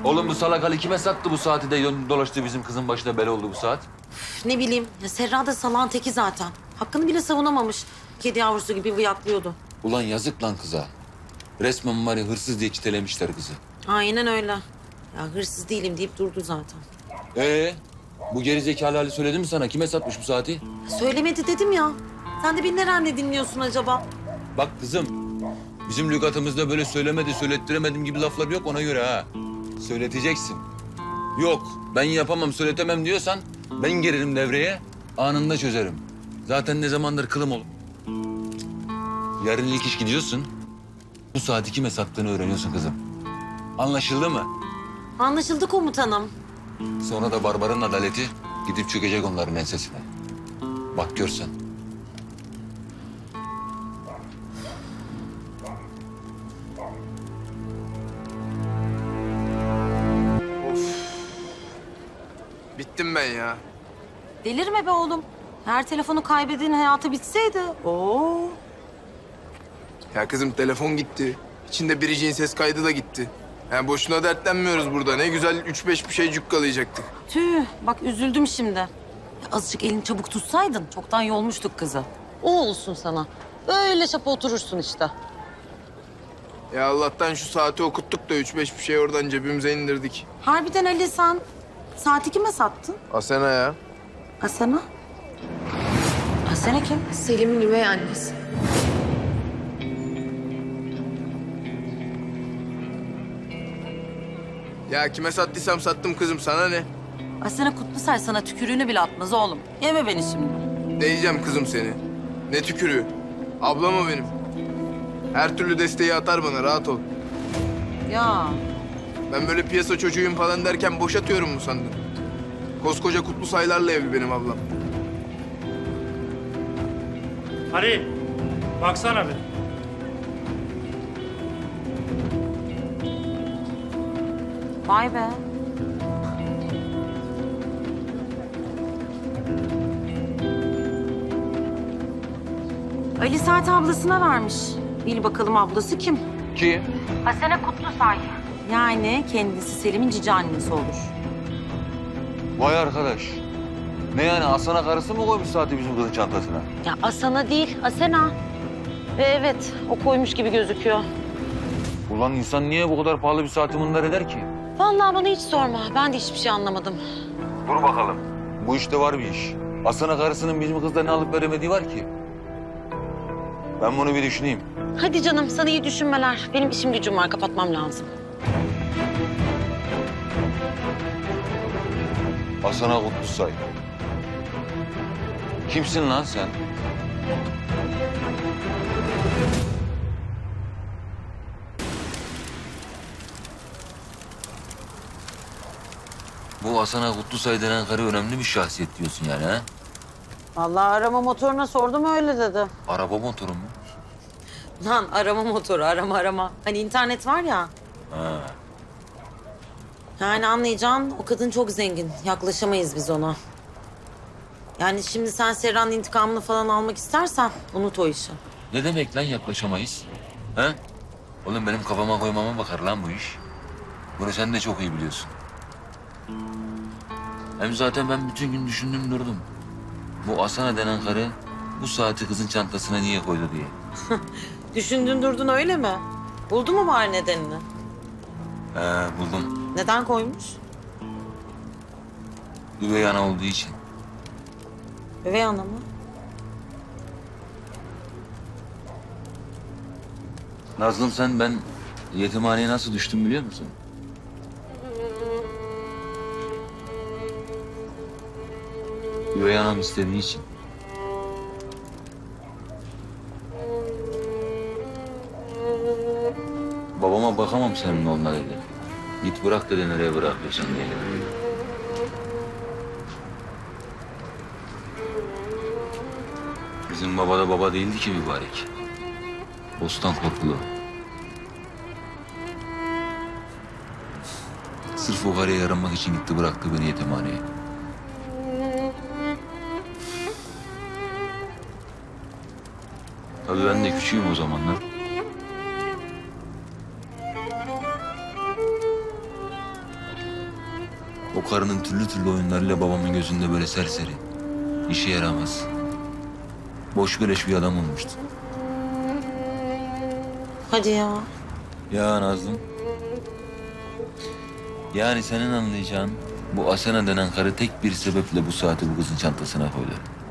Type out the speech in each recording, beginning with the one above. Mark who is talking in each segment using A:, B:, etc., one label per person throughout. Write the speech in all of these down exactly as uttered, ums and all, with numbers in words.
A: Oğlum bu salak Ali kime sattı bu saati de dön- dolaştı bizim kızın başına bela oldu bu saat?
B: Üf, ne bileyim. Ya Serra da salağın teki zaten. Hakkını bile savunamamış. Kedi yavrusu gibi vıyaklıyordu.
A: Ulan yazık lan kıza. Resmen var ya hırsız diye çitelemişler kızı.
B: Aynen öyle. Ya hırsız değilim deyip durdu zaten.
A: Ee, bu gerizekalı Ali söyledi mi sana? Kime satmış bu saati?
B: Söylemedi dedim ya. Sen de beni nereden dinliyorsun acaba?
A: Bak kızım, bizim lügatımızda böyle söylemedi, söylettiremedim gibi laflar yok ona göre ha. Söyleteceksin. Yok, ben yapamam, söyletemem diyorsan ben girerim devreye, anında çözerim. Zaten ne zamandır kılım ol. Yarın ilk iş gidiyorsun. Bu saati kime sattığını öğreniyorsun kızım. Anlaşıldı mı?
B: Anlaşıldı komutanım.
A: Sonra da Barbar'ın adaleti gidip çökecek onların ensesine. Bak görsen.
C: Bittim ben ya.
B: Delirme be oğlum. Her telefonu kaybettiğin hayatı bitseydi. Oo.
C: Ya kızım telefon gitti. İçinde biriciğin ses kaydı da gitti. Yani boşuna dertlenmiyoruz burada. Ne güzel üç beş bir şey cukkalayacaktık.
B: Tüh, bak üzüldüm şimdi. Ya azıcık elini çabuk tutsaydın çoktan yolmuştuk kızı. O olsun sana. Böyle şapa oturursun işte.
C: Ya Allah'tan şu saati okuttuk da üç beş bir şey oradan cebimize indirdik.
B: Harbiden Ali sen saati kime sattın?
C: Asena ya.
B: Asena? Asena kim?
D: Selim'in üvey annesi.
C: Ya kime sattıysam sattım kızım, sana ne?
B: Asena Kutlusay sana tükürüğünü bile atmaz oğlum. Yeme beni şimdi.
C: Değeceğim kızım seni. Ne tükürüğü. Ablam o benim. Her türlü desteği atar bana, rahat ol.
B: Ya
C: Ben böyle piyasa çocuğuyum falan derken boşatıyorum mu sandın? Koskoca kutlu saylarla evli benim ablam.
E: Ali, baksana bir.
B: vay be. Ali saat ablasına vermiş. Bil bakalım ablası kim?
A: Kim?
B: Asena Kutlusay. Yani kendisi Selim'in cici annesi olur.
A: Vay arkadaş. Ne yani Aslan'a karısı mı koymuş saati bizim kızın çantasına?
B: Ya Asena değil, Asena. Ve evet, o koymuş gibi gözüküyor.
A: Ulan insan niye bu kadar pahalı bir saati bunlar eder ki?
B: Vallahi bana hiç sorma. Ben de hiçbir şey anlamadım.
A: Dur bakalım. Bu işte var bir iş. Aslan'a karısının bizim kızla ne alıp veremediği var ki. Ben bunu bir düşüneyim.
B: Hadi canım, sana iyi düşünmeler. Benim işim gücüm var, kapatmam lazım.
A: Aslan'a Kutlusay. Kimsin lan sen? Bu Aslan'a Kutlusay denen karı önemli bir şahsiyet diyorsun yani ha?
B: Vallahi arama motoruna sordum öyle dedi.
A: Araba motoru mu?
B: Lan arama motoru, arama arama. Hani internet var ya.
A: Ha.
B: Yani anlayacağın o kadın çok zengin. Yaklaşamayız biz ona. Yani şimdi sen Serra'nın intikamını falan almak istersen unut o işi.
A: Ne demek lan yaklaşamayız? Ha? Oğlum benim kafama koymama bakar lan bu iş. Bunu sen de çok iyi biliyorsun. Hem zaten ben bütün gün düşündüm durdum. Bu Asana denen karı bu saati kızın çantasına niye koydu diye.
B: Düşündün durdun öyle mi? Buldun mu bari nedenini?
A: He buldum.
B: Neden koymuş?
A: Üvey ana olduğu için.
B: Üvey ana mı?
A: Nazlım sen ben yetimhaneye nasıl düştüm biliyor musun? Üvey anam istediği için. Babama bakamam senin onunla dedi. Git bırak dedi nereye bırakıyorsan diye. Bizim baba da baba değildi ki mübarek. Bostan korkulu. Sırf o karıya yaranmak için gitti bıraktı beni yetimhaneye. Tabii ben de küçüğüm o zamanlar. O karının türlü türlü oyunlarıyla babamın gözünde böyle serseri. İşe yaramaz. Boş beleş bir adam olmuştu.
B: Hadi ya.
A: Ya Nazlım. Yani senin anlayacağın bu Asena denen karı tek bir sebeple bu saati bu kızın çantasına koydu.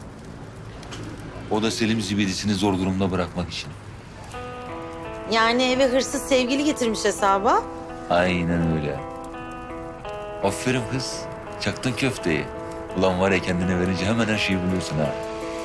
A: O da Selim zibidisini zor durumda bırakmak için.
B: Yani eve hırsız sevgili getirmiş hesaba.
A: Aynen öyle. Aferin kız. Çaktın köfteyi. Ulan var ya kendine verince hemen her şeyi buluyorsun ha.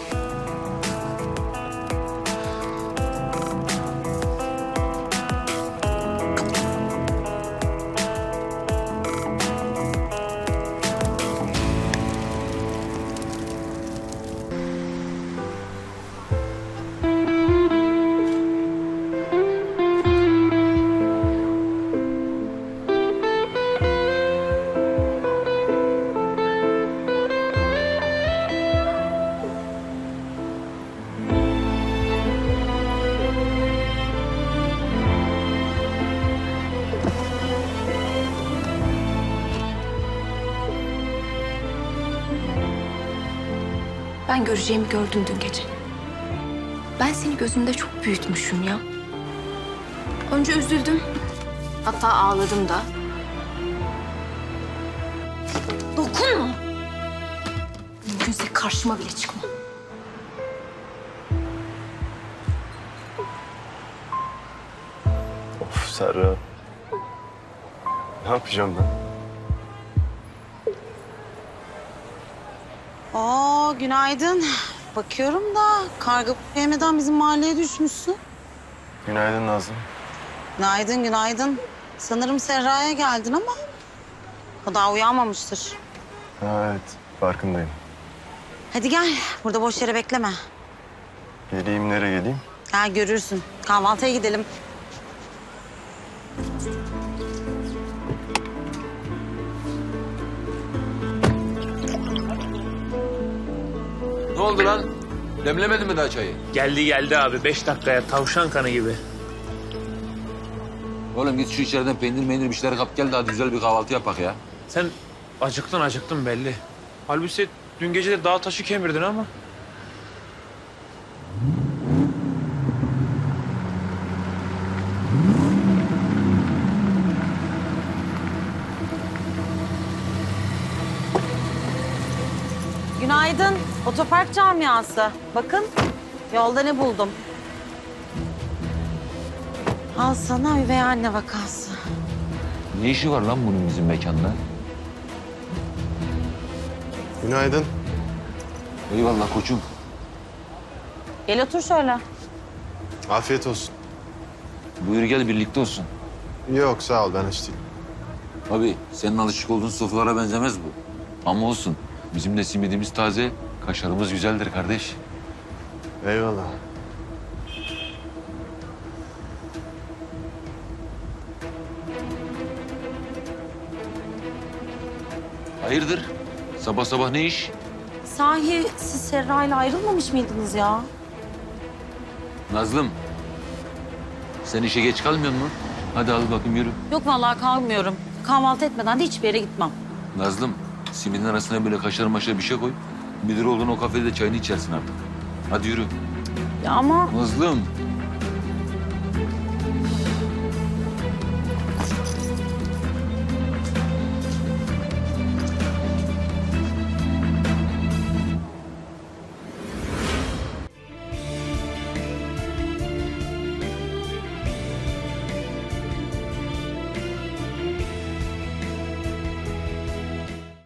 D: Ben göreceğimi gördüm dün gece. Ben seni gözümde çok büyütmüşüm ya. Önce üzüldüm. Hatta ağladım da. Dokunma. Mümkünse karşıma bile çıkma.
F: Of Serra. Ne yapacağım ben?
B: Aa, günaydın. Bakıyorum da karga yemeden bizim mahalleye düşmüşsün.
F: Günaydın Nazlı.
B: Günaydın, günaydın. Sanırım Serra'ya geldin ama o daha uyanmamıştır.
F: Ha, evet, farkındayım.
B: Hadi gel, burada boş yere bekleme.
F: Geleyim, nereye geleyim?
B: Gel görürsün. Kahvaltıya gidelim.
A: Ne oldu lan? Demlemedin mi daha çayı?
E: Geldi geldi abi. Beş dakikaya tavşan kanı gibi.
A: Oğlum git şu içeriden peynir meynir bir şeyler kap gel de hadi güzel bir kahvaltı yapak ya.
E: Sen acıktın acıktın belli. Halbuki dün gece de dağ taşı kemirdin ama.
B: Günaydın. Otopark camiası. Bakın, yolda ne buldum. Al sana üvey anne vakası.
A: Ne işi var lan bunun bizim mekanda?
F: Günaydın.
A: Eyvallah koçum.
B: Gel otur şöyle.
F: Afiyet olsun.
A: Buyur gel birlikte olsun.
F: Yok, sağ ol, ben aç değilim.
A: Abi senin alışık olduğun sofralara benzemez bu. Ama olsun. Bizim de simidimiz taze, kaşarımız güzeldir kardeş.
F: Eyvallah.
A: Hayırdır? Sabah sabah ne iş?
B: Sahi siz Serra'yla ayrılmamış mıydınız ya?
A: Nazlım. Sen işe geç kalmıyor musun? Hadi al bakayım yürü.
B: Yok vallahi kalmıyorum. Kahvaltı etmeden de hiçbir yere gitmem.
A: Nazlım, simidin arasına böyle kaşar maşar bir şey koy. Müdür olduğun o kafede çayını içersin artık. Hadi yürü.
B: Ya ama
A: Nazlım,